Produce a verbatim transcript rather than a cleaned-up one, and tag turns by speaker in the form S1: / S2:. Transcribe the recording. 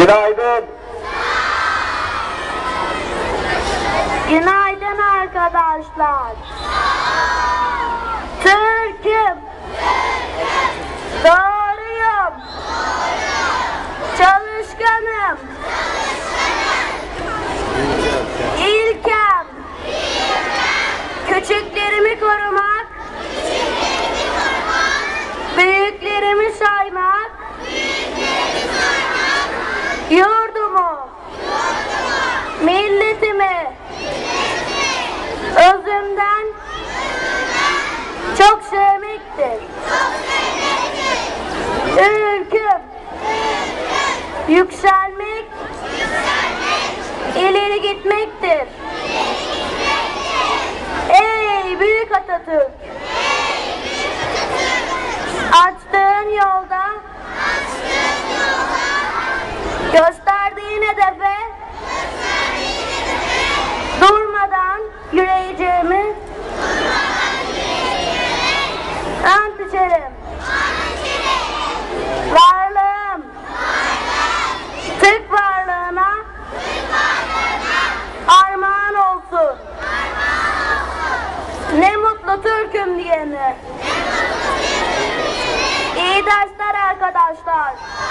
S1: Günaydın.
S2: Günaydın arkadaşlar. Türk'üm. Doğruyum. Çalışkanım. İlkem. Küçüklerimi korumak. Büyüklerimi saymak. Yurdumu. Milletimi. Özümden çok sevmektir. Ülküm. Yükselmek, ileri gitmektir. Ey büyük Atatürk! Açtığın yolda, gösterdiğin hedefe durmadan yürüyeceğimi ant içerim. Varlığım, Türk varlığına armağan olsun. Ne mutlu Türk'üm diyene. İyi dersler arkadaşlar.